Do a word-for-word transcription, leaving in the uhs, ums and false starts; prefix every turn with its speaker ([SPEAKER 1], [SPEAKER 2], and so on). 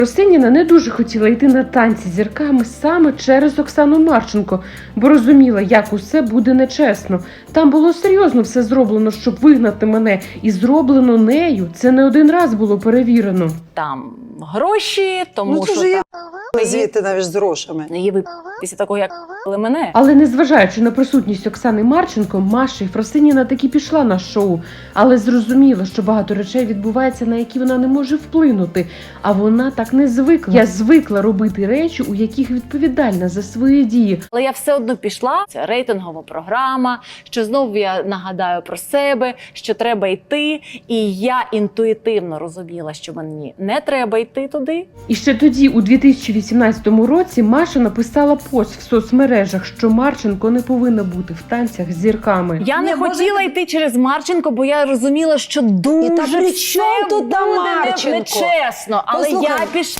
[SPEAKER 1] Росиніна не дуже хотіла йти на танці з зірками саме через Оксану Марченко, бо розуміла, як усе буде нечесно. Там було серйозно все зроблено, щоб вигнати мене, і зроблено нею. Це не один раз було перевірено.
[SPEAKER 2] Там гроші, тому
[SPEAKER 3] Ну, це
[SPEAKER 2] що
[SPEAKER 3] ж є
[SPEAKER 2] там
[SPEAKER 3] звідти навіть з грошами.
[SPEAKER 2] її вип... після того, як випили мене.
[SPEAKER 1] Але незважаючи на присутність Оксани Марченко, Маша Єфросиніна таки пішла на шоу, але зрозуміла, що багато речей відбувається, на які вона не може вплинути. А вона так не звикла. Я звикла робити речі, у яких відповідальна за свої дії.
[SPEAKER 2] Але я все одно пішла. Це рейтингова програма, що знову я нагадаю про себе, що треба йти. І я інтуїтивно розуміла, що мені не треба йти туди.
[SPEAKER 1] І ще тоді, у дві тисячі вісімнадцятому році, Маша написала пост в соцмережах, що Марченко не повинна бути в танцях з зірками.
[SPEAKER 2] Я не
[SPEAKER 3] Ні,
[SPEAKER 2] хотіла
[SPEAKER 3] може,
[SPEAKER 2] йти через Марченко, бо я розуміла, що дуже
[SPEAKER 3] І та при
[SPEAKER 2] все
[SPEAKER 3] чому тут та
[SPEAKER 2] буде не-
[SPEAKER 3] Марченко?
[SPEAKER 2] нечесно. Але
[SPEAKER 3] Послухай,
[SPEAKER 2] я пішла.